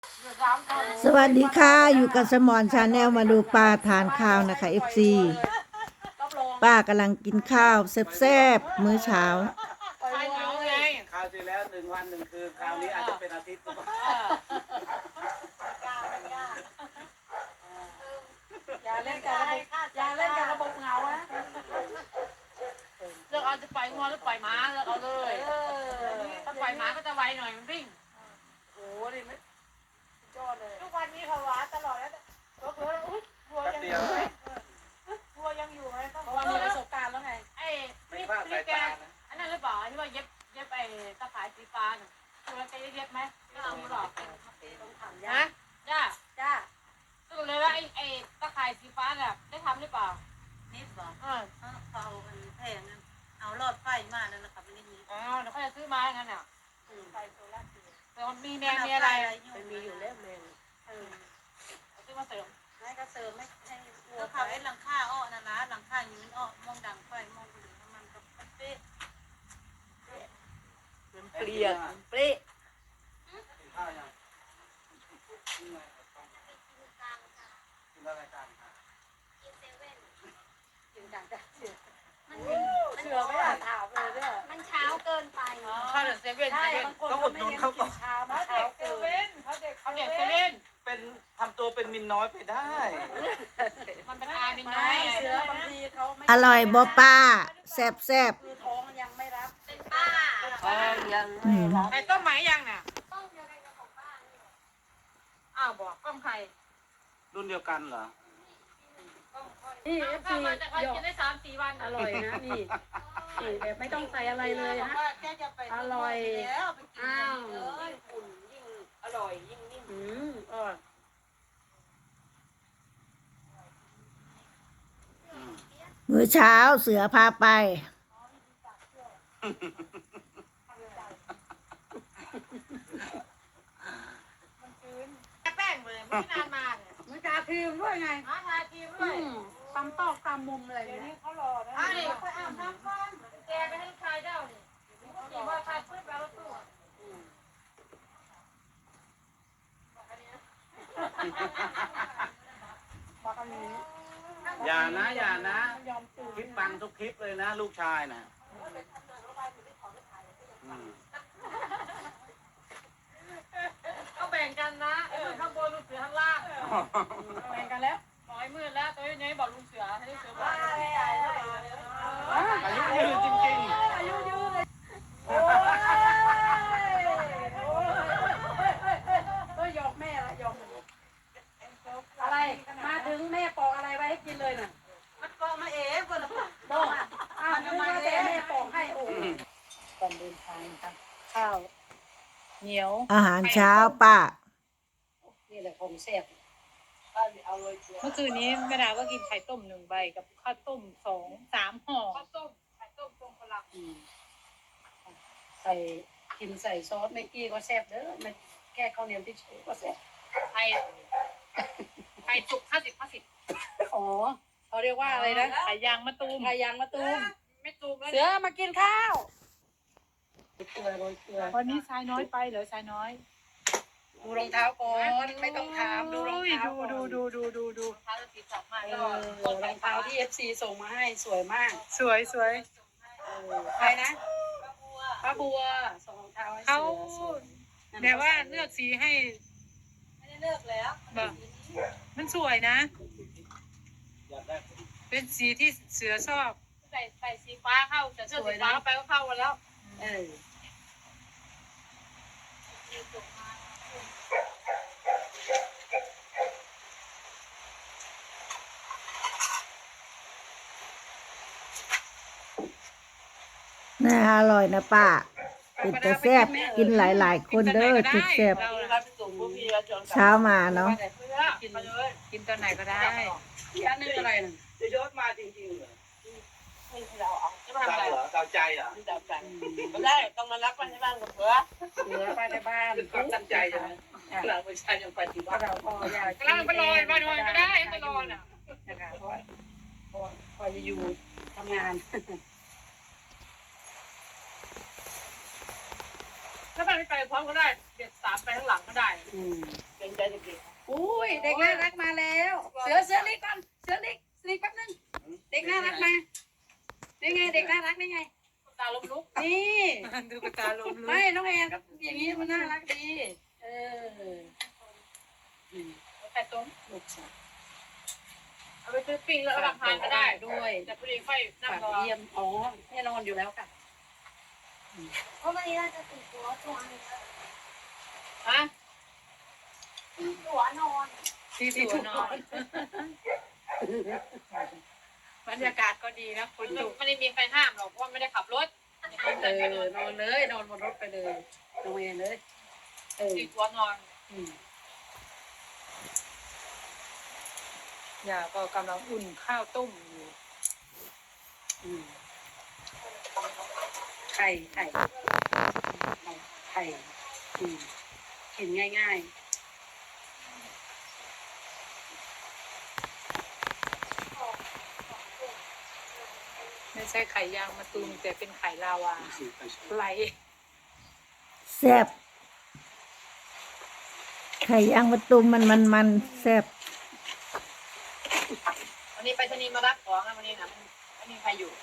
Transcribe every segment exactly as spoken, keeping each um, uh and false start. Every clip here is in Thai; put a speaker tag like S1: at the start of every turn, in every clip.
S1: สวัสดีค่ะอยู่กับสมอนชาแนลมาดูป้าทานข้าวนะคะ เอฟ ซี ป้ากำลังกินข้าวแซ่บๆมื้อเช้า
S2: ใครเหงาไง
S3: คราวที่แล้วหนึ่งวันหนึ่งคืนคราวนี้อาจจะเป็นอาทิตย์หรือเปล่า
S2: อย่าเล่นกับระบบอย่าเล่นกับระบบเหงานะเลือกเอาจะปล่อยงัวหรือปล่อยม้าเลือกเอาเลยถ้าปล่อยม้าก็จะไวหน่อยมันวิ่งโอ้โหดิไม่ยอดเลยทุกวันนี้เขาหวานตลอดแล้วก็คืออุ้ยวัวยังอยู่ไหมวัวยังอยู่ไหมเพราะว่ามีประสบการณ์แล้วไงไอ้พี่พี่แกอันนั้นหรือเปล่าที่ว่าเย็บเย็บไอ้ตะข่ายสีฟ้าน่ะตัวแกเย็บไหมไม่ต้องหรอกฮะจ้าจ้าสรุปเลยว่าไอ้ไอ้ตะข่ายสีฟ้าเนี่ยได้ทำหรือเปล่า
S4: นิดบอก
S2: เออ
S4: เขาเอาอันแพงนั้นเอาหลอดไฟมานั่นนะครับไม่ได้มี
S2: อ๋อเดี๋ยวเขาจะซื้อมาอย่างนั้นอ่ะ
S4: ไฟโซล่าร์เซลล์
S2: แต่มันมีแมงมีอะไร
S4: มันมีอยู่แล้วแมง
S2: เออเอาซื้อมาเสริม
S4: ให้ก็เสริมให้ให้วัวเขาไอ้หลังคาอ้อนะนะหลังคายืนอ้อมองดังไฟมองเหลืองมันก็เป๊ะ
S2: มันเปลี่ยนเปรี้ย
S3: กินข้าวยังกินอะไรกินอะไรกันค่ะ
S4: ยืนดังจ้ะเสือ
S2: เชื่อไม่ได้ถามเลยเนี่ย
S4: มันเช้าเกินไป
S2: ข้าวเด็กเซเว่น
S4: ใช่
S2: เซเว่น
S4: บางคนเขาไม่เน้นกินเช้ามา
S2: เขา
S4: เช้า
S2: เด็กเซ
S4: เกิ
S2: เว่
S4: น
S2: นเขาเด็กเขาเด็กเซเว่น
S3: เป็นทำตัวเป็นมินน้อยไปได้
S2: มันเป็นอาเป็นน้
S4: ไม่
S2: อย
S4: เสือบางทีเขาไม่
S1: อร่อยบ่ป้าแซ่บแซ่บ
S4: คือท้องยังไม่รับ
S2: เป็นป้า
S4: ยัง
S1: ๆอืม
S2: ไอ้ต้มไหมยังน่ะอ้าวบอกต้มไข่
S3: รุ่นเดียวกันเหรอ
S4: นี่เอฟ
S2: ข้า
S4: ซี
S2: วมาจากเขา
S4: หยอก
S2: กินได้สามสี่วัน
S4: อร่อยนะนี่นี่แบบไม่ต้องใส่อะไรเลยนะอร่อยอ้าวอืมอร่อย
S1: มื้อเช้าเสือพาไป
S2: แป้งเลยไม่นานมาเนี่ย
S4: มันกาครีมด้วยไง
S2: หาทาครีมด้วย
S4: ตำตอกตำมุมอะไร
S2: เดี๋ยว
S4: เนี่
S2: นี้
S4: ย
S2: เขารอนะอ่ะนี่ไปอาบน้ำก่อนแกไปให้ลูกชายเจ้านี่ขี่มอเตอร์ไซค์ขึ้นไปรถตู้อ่ะ
S4: บอกกันนี้
S3: อย่านะอย่านะคลิปปังทุกคลิปเลยนะ ลูกชายนะอืม
S2: ก็แบ่งกันนะไอ้มือข้างบนลูกเสือข้างล่างแบ่งกันแล้วบอกไอ้มืดแล้วตัวนี้บอกลุงเสือให้ลุงเสือบอก
S3: อายุยืนจริง
S4: อายุยืนเลยโอ้ยเฮ้ยหยอกแม่ละหยอกอะไรมาถึงแม่ปอกอะไรไว้ให้กินเลยน่ะ
S2: มันก็มาเอ๋คนละ
S4: บอกอ้าวนึกว่าแต่แม่ปอกให้โอ้ตอนเดินทางครับข้าวเหนียว
S1: อาหารเช้าป้า
S4: นี่แหละของแซ่บ
S5: เมื่อคืนนี้แม่ดาก็กินไข่ต้มหนึ่งใบกับข้าวต้มสองสามห่อ
S2: ข้าวต้มไข่ต้มทรงพลัง
S4: อืมใส่กินใส่ซอสเมกกี้ก็แซ่บเด้อมันแค่ข้าวเหนียวที่เฉยก็แซ่บ
S5: ไข่ไข่จุกห้าสิบห้าสิบ
S4: อ๋อเขาเรียกว่าอะไรนะ
S5: ไข่ยางมะตูม
S4: ไข่ยางมะตูม
S2: ไม่ตูมแล้ว
S4: เสือมากินข้าวเกลือโรยเกลือ
S5: วันนี้ชายน้อยไปเหรอชายน้อย
S4: ดูรองเท้าก่อนไม่ต้องถามดูรองเท้า
S5: ดูดูดูดูดูดู
S2: เท้าจะติดจับมา
S4: เอ
S2: แล้ว
S4: อรองเท้าที่เอฟซีส่งมาให้สวยมาก
S5: สวยสวย
S4: เออใครนะป้าบัวส่งรองเท้าให้
S5: เขา
S4: เสือสวย
S5: แบบว่าเลือกสีให้
S4: ไม่ได้เลือกแล้ว
S5: แบบมันสวยนะ
S3: ๆอยากได้
S5: เป็นสีที่เสือชอบ
S2: ใส่ใส่สีฟ้าเข้าแต่เสื้อสีฟ้าไปก็เข้ากันแล้ว
S4: เออ
S1: น่าอร่อยนะป้าเป็นแต่แซ่บกินหลายๆคนเด้อจุดแซ่บ
S5: เรา
S1: เช้ามาเนาะ
S5: กินกินตอนไหนก็ได้
S4: ที่อันนึงอะไรน่ะ
S3: จะยศมาจริงๆเหรอ
S2: จะมา
S3: เจ้า
S2: ทำอะไร
S3: เหรอเจ้าใจเหรอ
S2: ไม่ได้ต้องมารับกันที่บ้านกับเพื่อ
S4: เสือไปในบ้าน
S3: เป็นความตั้งใจใช่ไหมเราไม่ใช่ยังไปที่
S4: ก็
S3: บ้าน
S4: เราพออยาก
S5: กำลังไปลอยมาลอยก็ได้ไปลอยน่ะ
S4: นะคะเพราะว่าพอพอจะอยู่ทำงาน
S2: ถ้าบ้านไม่ไปพร้อมก็ได้เด็ดสามไปข้างหลังก็ได้
S4: อืมเด็กน่ารักมาแล้ว เสือเสือลิกก่อนเสือลิกลิกแป๊บนึงเด็กน่ารักมาได้ไงเด็กน่ารักได้ไง
S2: ตาลมลุก
S4: นี่
S5: ดูกระตาลมลุ
S4: ไม่
S5: ก
S4: น้องแอนก็อย่างนี้มันน่ารักดีเออ
S2: ไข่ต้ม
S4: ลูกสาว
S2: เอาไปซื้อปิ้งแล้วเอามาทานก็ได้
S4: ด้วย
S2: แต่พอดีค่อยนั่ง
S4: ฝาก
S2: รอ
S4: เยี่ยมอ๋อแน่นอนอยู่แล้วค่ะ
S6: เพราะวันนี้เราจะติดตัวตัวนึง
S2: ฮะ
S6: ติดตัวนอน
S5: ที่สวนนอนบรรยากาศก็ดีนะฝนตก
S2: ไม่ได้มีใครห้ามหรอกเพราะว่าไม่ได้ขับรถ
S4: เออนอนเลยนอนบนรถไปเลยน้องแอนเลยเออ
S2: ติดหัวนอน
S4: อืม
S5: ย่าก็กำลังอุ่นข้าวต้มอยู่
S4: อืมไข่ไข่ไข่อืมกินง่าย
S5: ไม่ใช่ไข่ยางมะตูมแต่เป็นไข่ลาวาไหล
S1: แซ่บไข่ยางมะตูมมันมันมันแซ่บ
S2: วันนี้ไปชนีย์มารับของนะวันนี้นะไม่มีใครอยู่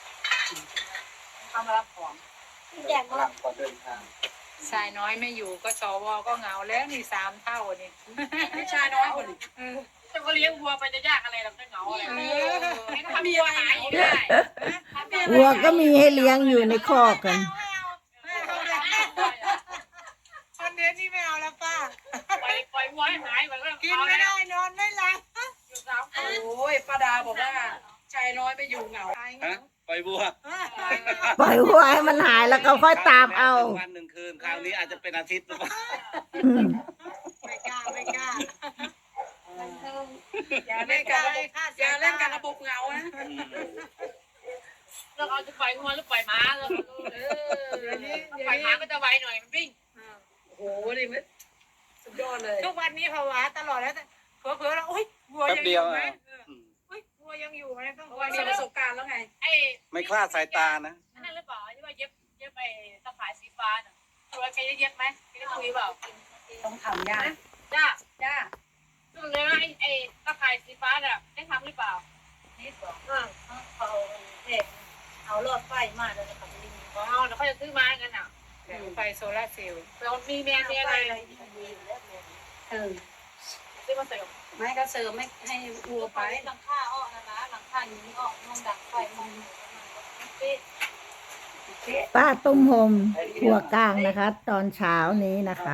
S2: เขามารับของ
S6: แดก
S3: กำลังก่อนเดินทาง
S5: ชายน้อยไม่อยู่ก็สวก็เหงาแล้วนี่สามเท่านี่
S4: ๆไม่ชายน้อยคนนี้
S2: จะก็เลี้ยงวัวไปจะยากอะไรเราจะเหงาอะไร
S5: เอ
S2: ให้ทำวัวหายอยู่ได้
S1: วัวก็มีให้เลี้ยงอยู่ในคอกกัน
S5: คอนเทนต์นี่ไม่เอาแล้วป้า
S2: ปล่อยปล่อยวัวให้หายไปแล้ว
S5: กินไม่ได้นอนไม่หลับ
S2: อยู่สามคน
S4: โอ้ยป้าดาบอกว่าชายน้อยไม่อยู่เหงา
S3: ฮะปล่อยบัว
S1: ปล่อยวัวให้มันหายแล้วก็ค่อยตามเอา
S3: วันหนึ่งคืนคราวนี้อาจจะเป็นอาทิตย์หรือเปล่า
S1: อืม
S5: ไม่กล้าไม่กล้า
S4: อย่าเล่นกับระบบอย่าเล่นกับระบบเหงานะ
S2: เราเอาจะปล่อยงัวหรือปล่อยม้าเรา
S4: เออ
S5: เดี๋ยวนี้เดี๋ยว
S2: ปล่อย
S5: นี้
S2: ม้าก็จะไวหน่อยมันวิ่ง
S4: โอ้โหดิมันสุดยอดเลย
S5: ทุกวันนี้ภาวะตลอดแล้วแต่เผลอๆแล้วอุ้ยวัว
S3: แป๊บ
S5: ยังอ
S3: เดียว
S5: ยู่ไหม
S3: อ่ะ
S5: อุ้ยวัวยังอยู่ไหมต้อง
S4: เพราะว่ามีประสบการณ์แล้วไง
S2: ไอ้
S3: ไม่คลาดสายตานะ
S2: นั่นหรือเปล่าที่ว่าเย็บเย็บไปตะข่ายสีฟ้าน่ะตัวแกจะเย็บไหมแกได้คุยเปล่า
S4: ต้องทำยาก
S2: จ้า
S4: จ้า
S2: ดูเลยว่าไอ้ไอ้ตะข่ายสีฟ้าเนี่ยได้ทำหรือเปล่า
S6: นี่บอกเขาเด็กเอาหลอดไฟมาแล้วก็ลิง
S2: อ๋อเดี๋ยวเขาจะซื้อมาอย่างนั้นอ่ะ
S5: ไฟโซลาร์เซลล์
S2: เรามีแมนมีอะไร
S4: เออ
S2: ซื้อมาเสริม
S4: ไม่ก็เสริมไม่ให้วัว
S6: ไป
S4: ไป
S6: หลังคาออกนะนะหลังคานี้ออกห้องดังไฟมัน
S1: ป้าต้มโฮมครัวกลางนะคะ ตอนเช้านี้นะคะ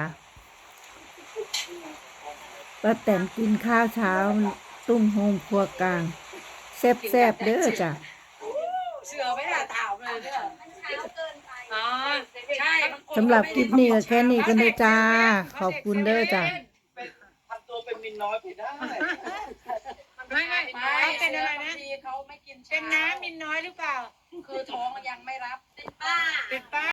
S1: ป้าแตนกินข้าวเช้าตุ้มโฮมครัวกลางแซ่บๆเด้อจ้ะ
S4: เสือไม่ได้ถามเลยเนี่ย
S6: มันเช้าเกินไป
S4: อ๋อใช่
S1: สำหรับคลิปนี้ก็แค่นี้กันเลยจ้า ขอบคุณเด้อจ้ะ
S3: ทำตัวเป็นมินน้อยไปได้
S5: ไม่ไม่
S4: ไม่
S5: เขาเป็นอะไรนะ
S4: บางทีเขาไม่กิน
S5: เป็นน้ำมินน้อยหรือเปล่า
S4: คือท้องยังไม่รับ
S6: เป็นป้า
S5: เป็นป้า